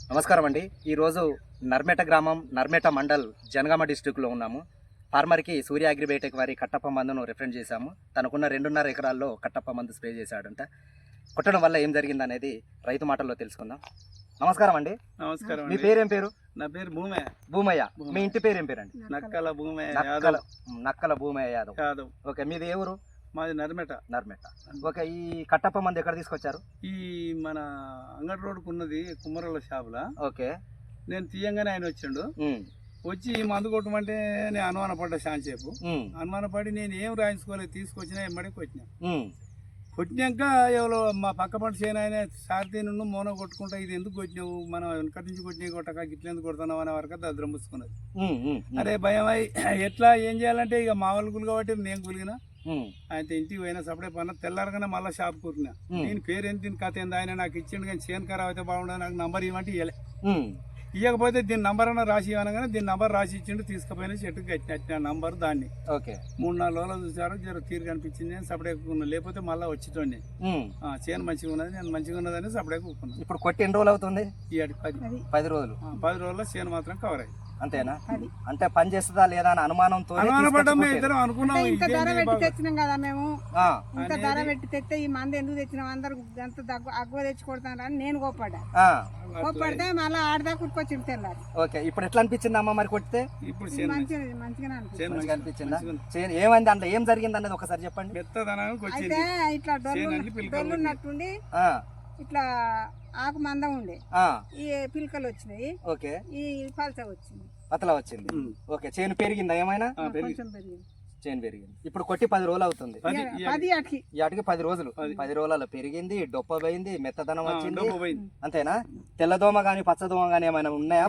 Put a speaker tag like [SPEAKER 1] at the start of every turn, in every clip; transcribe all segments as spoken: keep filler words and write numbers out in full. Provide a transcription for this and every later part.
[SPEAKER 1] నమస్కారం అండి. ఈరోజు నర్మేట గ్రామం నర్మేట మండల్ జనగామ డిస్టిక్లో ఉన్నాము. ఫార్మర్కి సూర్య అగ్రిబయోటెక్ వారి కట్టప్ప మందును రిఫరెన్స్ చేశాము. తనకున్న రెండున్నర ఎకరాల్లో కట్టప్ప మందు స్ప్రే చేశాడంట. కొట్టడం వల్ల ఏం జరిగిందనేది రైతు మాటల్లో తెలుసుకుందాం. నమస్కారం అండి.
[SPEAKER 2] నమస్కారం.
[SPEAKER 1] మీ పేరేం పేరు?
[SPEAKER 2] నా పేరు భూమయ్య.
[SPEAKER 1] భూమయ్య. మీ ఇంటి పేరు ఏం పేరండి?
[SPEAKER 2] నక్కల భూమయ్య
[SPEAKER 1] నక్కల నక్కల భూమయ్య యాదవ్.
[SPEAKER 2] యాదవ్.
[SPEAKER 1] ఓకే, మీది ఏ ఊరు?
[SPEAKER 2] మాది నర్మేట.
[SPEAKER 1] నర్మేట. ఓకే, ఈ కట్టప్ప మందు ఎక్కడ తీసుకొచ్చారు?
[SPEAKER 2] ఈ మన అంగడి రోడ్డుకు ఉన్నది కుమ్మరోళ్ళ షాపులా.
[SPEAKER 1] ఓకే,
[SPEAKER 2] నేను తీయంగానే ఆయన వచ్చిండు. వచ్చి ఈ మందు కొట్టమంటే నేను అనుమానపడ్డా శాంతసేపు. అనుమానపడి నేను ఏం రాయించుకోలేదు, తీసుకొచ్చినా ఎమ్మడే కొట్టినా. కొట్టినాక ఎవరో మా పక్క పంట చేయను ఆయన సారథి నుండి మోనో కొట్టుకుంటా, ఇది ఎందుకు కొట్టినావు, మనం వెనక నుంచి కొట్టినా కొట్టక ఇట్లా ఎందుకు కొడుతున్నావు అనే వరకు దద్రం పుచ్చుకున్నది. అరే భయం అయి ఎట్లా ఏం చేయాలంటే ఇక మా వాళ్ళు గులు కాబట్టి నేను గులిగిన ఆయన ఇంటికి పోయినా సపడే పన్న తెల్లారగానే మళ్ళీ షాప్ కూరినా. నేను పేరు ఎంత దీని కథ ఏంది, ఆయన నాకు ఇచ్చిండు కానీ చేను ఖరాబ్ అయితే బాగుండదు, నాకు నంబర్ ఇవ్వమంటే ఇవ్వలే. ఇవ్వకపోతే దీని నంబర్ అన్న రాసి ఇవ్వనగానే దీని నంబర్ రాసి ఇచ్చిండు. తీసుకుపోయినా చెట్టుకి కట్టిన నంబర్ దాన్ని. ఓకే, మూడు నాలుగు రోజులు చూసారు, జర తీరు కనిపించింది. నేను సపడే కూకున్నా, లేకపోతే మళ్ళీ వచ్చితోండి చేను మంచిగా ఉన్నది, నేను మంచిగా ఉన్నదని సపడే కూకున్నాను.
[SPEAKER 1] ఇప్పుడు కొట్టి ఎన్ని రోజులు అవుతుంది?
[SPEAKER 2] పది
[SPEAKER 1] పది రోజులు
[SPEAKER 2] పది రోజుల్లో చేను మాత్రం కవర్ అయ్యి.
[SPEAKER 1] అంతేనా? అంటే పని చేస్తుందా లేదా అని అనుమానంతో
[SPEAKER 2] అనుమానపడ్డాం. ఇద్దరం అనుకున్నాం.
[SPEAKER 3] ఇంత ధర పెట్టి తెచ్చినాం కదా మేము, ఇంత ధర పెట్టి తెస్తే ఈ మంది ఎందుకు తెచ్చినాం, అందరు ఎంత అగ్గువ తెచ్చి కొడతాను అని నేను కోప్పడ్డా. కోప్పడితే మళ్ళీ ఆడదా కుట్టుకొచ్చి తెల్లారు.
[SPEAKER 1] ఓకే, ఇప్పుడు ఎట్లా అనిపించింది అమ్మ మరి కొడితే?
[SPEAKER 2] ఇప్పుడు
[SPEAKER 3] మంచిగా మంచిగా
[SPEAKER 1] అనిపించిందా? ఏమైంది అంటే ఏం జరిగింది అనేది ఒకసారి చెప్పండి.
[SPEAKER 3] అయితే ఇట్లా డొల్లు డొల్లున్నట్టుండి ఇట్లా ఆకు మందం ఉండే, ఈ పిలకలు వచ్చినాయి.
[SPEAKER 1] ఓకే,
[SPEAKER 3] ఈ పలచ వచ్చింది,
[SPEAKER 1] పతలా వచ్చింది. ఓకే, చేను పెరిగిందా ఏమైనా?
[SPEAKER 3] కొంచెం పెరిగింది.
[SPEAKER 1] చేను పెరిగింది. ఇప్పుడు కొట్టి పది రోజులు అవుతుంది.
[SPEAKER 3] పది అటుకి
[SPEAKER 1] అటుకి పది రోజులు పది రోజులలో పెరిగింది, డొప్ప పోయింది, మెత్తదనం వచ్చింది. అంతేనా? తెల్లదోమ గాని పచ్చదోమ గాని ఏమైనా ఉన్నాయా?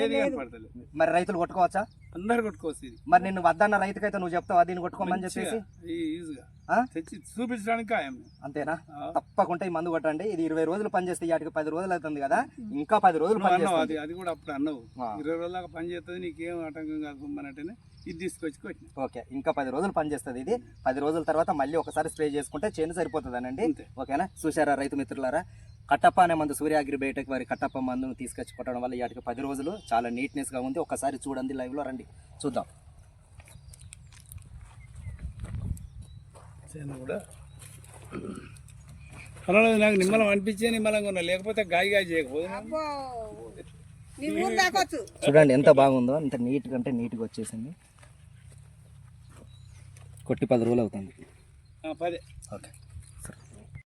[SPEAKER 1] మరి రైతులు కొట్టుకోవచ్చా?
[SPEAKER 2] అందరు కొట్టుకోవచ్చు.
[SPEAKER 1] మరి నిన్ను వద్దన్న రైతుకైతే నువ్వు చెప్తావా దీన్ని కొట్టుకోమని చెప్పేసి?
[SPEAKER 2] చూపించడానికి
[SPEAKER 1] అంతేనా? తప్పకుండా ఈ మందు కొట్టండి. ఇది ఇరవై రోజులు పనిచేస్తే వాటికి పది రోజులు అవుతుంది కదా, ఇంకా పది రోజులు పనిచేస్తుంది.
[SPEAKER 2] అది కూడా అప్పుడు అన్నావు, ఇరవై రోజుల దాకా పని చేస్తుంది, నీకేం ఆటంకం కాకపోతే ఇది తీసుకొచ్చి కొట్టిన.
[SPEAKER 1] ఓకే, ఇంకా పది రోజులు పనిచేస్తుంది. ఇది పది రోజుల తర్వాత మళ్ళీ ఒకసారి స్ప్రే చేసుకుంటే చేను సరిపోతుంది అనండి. ఓకేనా? చూసారా రైతు మిత్రులారా, కట్టప్ప అనే మందు సూర్య అగ్రిబయోటెక్ వారి కట్టప్ప మందును తీసుకొచ్చి కొట్టడం వల్ల వాటికి పది రోజులు చాలా నీట్నెస్ గా ఉంది. ఒకసారి చూడండి, లైవ్ లో రండి చూద్దాం.
[SPEAKER 2] కూడా పర్వాలేదు, నాకు నిమ్మలం అనిపించే నిమ్మలంగా ఉన్నా, లేకపోతే గాయ గాయ చేయకపోతే.
[SPEAKER 1] చూడండి ఎంత బాగుందో, అంత నీట్ గా అంటే నీట్గా వచ్చేసింది. కొట్టి పది రోజులు అవుతుంది.
[SPEAKER 2] పదే.
[SPEAKER 1] ఓకే.